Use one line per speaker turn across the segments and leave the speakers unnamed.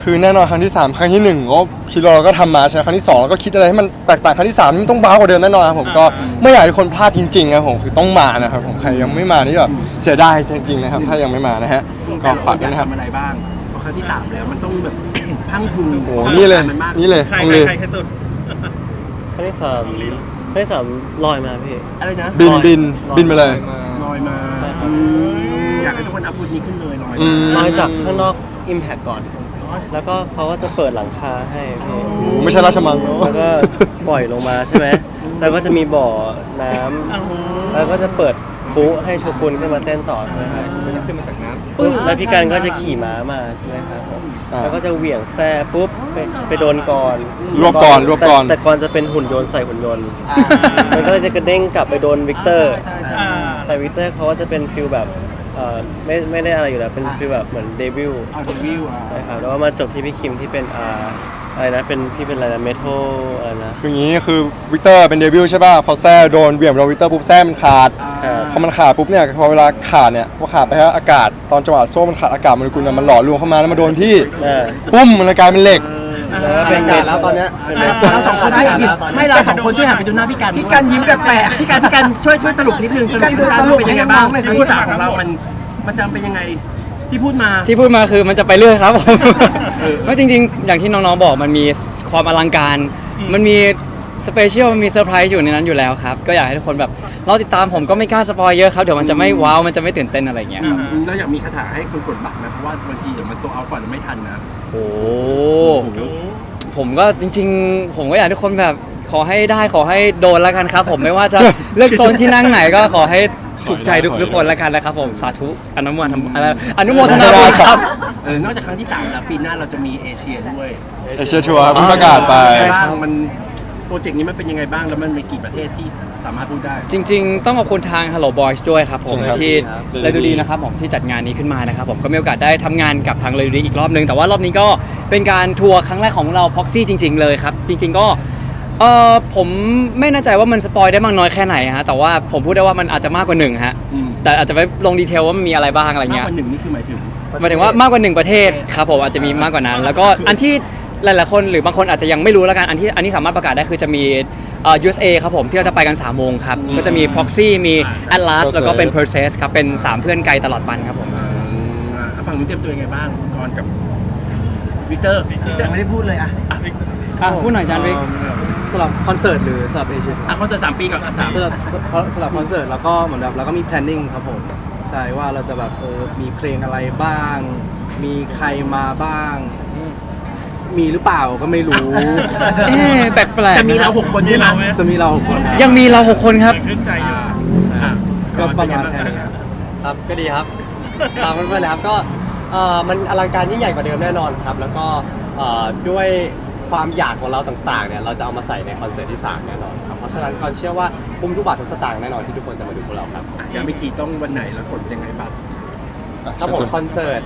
คือแน่นอนครั้งที่3ครั้งที่1ก็คิดว่าเราก็ทำมาใช่ไหมครั้งที่2เราก็คิดอะไรให้มันแตกต่างครั้งที่3มันต้องบ้ากว่าเดิมแน่นอนครับผมก็ไม่อยากให้ทุกคนพลาดจริงๆครับผมคือต้องมานะครับผมใครยังไม่มานี่แบบเสียดายจริงๆนะครับถ้ายังไม่มานะฮะก็ฝากด้วยนะครับ
ทำอะไรบ้างเพราะครั้งที่3แล้วมันต้องแบบพังทุน
โอ้นี่เลยนี่เลย
ใคร
ต้องเลย
ใครสุด
ครั้งที่สามลอยมาพี่
อะไรนะ
บินมาเลย
ลอยมา
ใช่ครับ
อยากให้ทุกคนเอาฟุตนี้ขึ้นเลยลอย
อื
มาม
ลอยจากข้างนอก Impact ก่อน แล้วก็เขาก็จะเปิดหลังคาให้พี่
ไม่ใช่ราชมัง
แล้วก็ปล่อยลงมาใช่ไหมแล้วก็จะมีบ่อน้ำแล้วก็จะเปิดคุให้โชกุนขึ้นมาเต้นต่อใช่ไหมครับขึ้นมาจากน้ำปุ๊บแล้วพี่กันก็จะขี่ม้ามาใช่ไหมครับผม
อ่า
แล้วก็จะเหวี่ยงแซ่ปุ๊บไปโดนกร
รวบก่อน
แต่กรจะเป็นหุ่นยนต์ใส่หุ่นยนต์มันก็เลยจะกระเด้งกลับไปโดนวิกเตอร์ แต่วิกเตอร์เขาก็จะเป็นฟิลแบบไม่ได้อะไรอยู่แล้วเป็นฟิลแบบเหมือนเดวิล
เอาดูวิวอ่ะ
ใช่ครับแล้วก็มาจบที่พี่คิมที่เป็นอะไรนะเป็นพี่เป็นอะไรนะเมทัลอะไรนะ
คืออย่างนี้คือวิกเตอร์เป็นเดวิลใช่ป่ะพอแซ่โดนเบี่ยงโดนวิกเตอร์ปุ๊บแซ่มันขาด
ครับ
พอมันขาดปุ๊บเนี่ยพอเวลาขาดเนี่ยพอขาดไปฮะอากาศตอนจังหวะโซ่มันขาดอากาศโมเลกุลมันหล่อรวมเข้ามาแล้วมาโดนที่
อ่า
ปุ้มมันเลยกลายเป็นเหล็ก
แล้วก็เป็น
แล้วตอนเนี้ย
เราสองคนไม่เราสองคนช่วยหันไปดูหน้าพี่กันพี่กันยิ้มแปลกๆพี่กันช่วยสรุปนิดนึงสรุปเป็นยังไงบ้างครั้งที่3ของเรามันจำเป็นยังไงที่พูดมา
ที่พูดมาคือมันจะไปเรื่อยครับผมก็จริงๆ อย่างที่น้องๆบอกมันมีความอลังการ มันมีสเปเชียลมันมีเซอร์ไพรส์อยู่ในนั้นอยู่แล้วครับ ก็อยากให้ทุกคนแบบเราติดตามผมก็ไม่กล้าสปอยเยอะครับ เดี๋ยวมันจะไม่ว้าว มันจะไม่ตื่นเต้นอะไรอย่างเงี้ยครับ
เราอยากมีคาถาให้คนกดบัตรนะเพราะว่าบางทีเดี๋ยวมันโซเอาก่อนแล้วไม่ทันนะ
โอ้ผมก็จริงๆ ผมก็อยากให้ทุกคนแบบขอให้ได้ขอให้โดนแล้วกันครับ ผมไม่ว่าจะเลือกโซนที่นั่งไหนก็ขอให้ถูกใจทุกคนแล้วกันนะครับผมสาธุอนุโมทนาอนุโมทนาบุญครับ
นอกจากครั้งที่3แล้วปีหน้าเราจะมีเอเชียด้วย
เอเชียทัวร์เพิ่งประกาศไป
ใช่
บ้างมันโปรเจกต์นี้มันเป็นยังไงบ้างแล้วมันมีกี่ประเทศที่สามารถพูดได้
จริงๆ ต้องขอบคุณทาง Hello Boys ด้วยครับผม
ใช่ครับ
ที่
ครับ
เลยดูดีนะครับผมที่จัดงานนี้ขึ้นมานะครับผมก็มีโอกาสได้ทำงานกับทางเลยดูดีอีกรอบนึง แต่ว่ารอบนี้ก็เป็นการทัวร์ครั้งแรกของเรา Proxy จริง ๆ เลยครับ จริง ๆ ก็ผมไม่แน่ใจว่ามันสปอยได้มากน้อยแค่ไหนฮะแต่ว่าผมพูดได้ว่ามันอาจจะมากกว่า1ฮะ
อืม
แต่อาจจะไม่ลงดีเทลว่ามันมีอะไรบ้างอะไร
มาก
เงี้ย
กว่า1นี่คือหมายถึง
หมายถึงว่ามากกว่า1ประเทศครับผมอาจจะมีมากกว่านั้น แล้วก็อันที่หลายๆคนหรือบางคนอาจจะยังไม่รู้แล้วกันอันนี้สามารถประกาศได้คือจะมีUSA ครับผมที่เราจะไปกัน3โมงครับก็จะมี Proxy มี Atlas แล้วก็เป็น Perseus ครับเป็น3เพื่อนไกลตลอดปันครับผม
ฝั่งนู้นเตรียมตัวยังไงบ้างก่อนกับวิกเตอร์ไม่ได้พูดเลยอ่ะ
พูดหน่อยจานวิก
สำหรับคอนเสิร์ตหรือสำหรับเอเชียทัวร์
คอนเสิร์ต3 ปีก่อน3
สำหรับคอนเสิร์ตแล้วก็เหมือนแบบเราก็มี planning ครับผมใช่ว่าเราจะแบบมีเพลงอะไรบ้าง มีใครมาบ้าง มีหรือเปล่าก็ไม่รู้
แปลกๆ
จะมีเรา6 คนใช่ไหม
จะมีเรา6คนครับ
ยังมีเรา6คนครับ
ชื่นใจอยู่
ก็ประมาณแค่นี้ครับ
ครับก็ดีครับตามเพื่อนๆนะครับก็มันอลังการยิ่งใหญ่กว่าเดิมแน่นอนครับ แล้วก็ด้วยความอยากของเราต่างๆเนี่ยเราจะเอามาใส่ในคอนเสิร์ตที่3แน่นอนครับเพราะฉะนั้นก่อนเชื่อว่าคุ้มทุกบาททุกสตางค์แน่นอนที่ทุกคนจะมาดูพวกเราครับ
ยังไม่ทีต้องวันไหนแล้วกดยังไงบัตร
ครับผมคอนเสิร์ต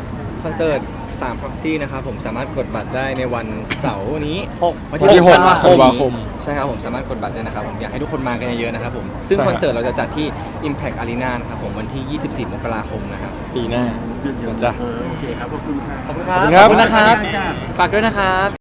3 Proxy นะครับผมสามารถกดบัตรได้ในวันเสาร์นี้
วันที่6 ธันวาคม
ใช่ครับผมสามารถกดบัตรได้นะครับผมอยากให้ทุกคนมากันเยอะๆนะครับผมซึ่ง
ใช่ครับ
คอนเสิร์ตเราจะจัดที่ Impact Arena นะครับผมวันที่ 24 มกราคมนะครับ
ปีหน้าจ้ะ
โอเคครับขอบคุณครับ
ขอบคุณครับ
ขอบคุณครับ
ฝากด้วยนะครับ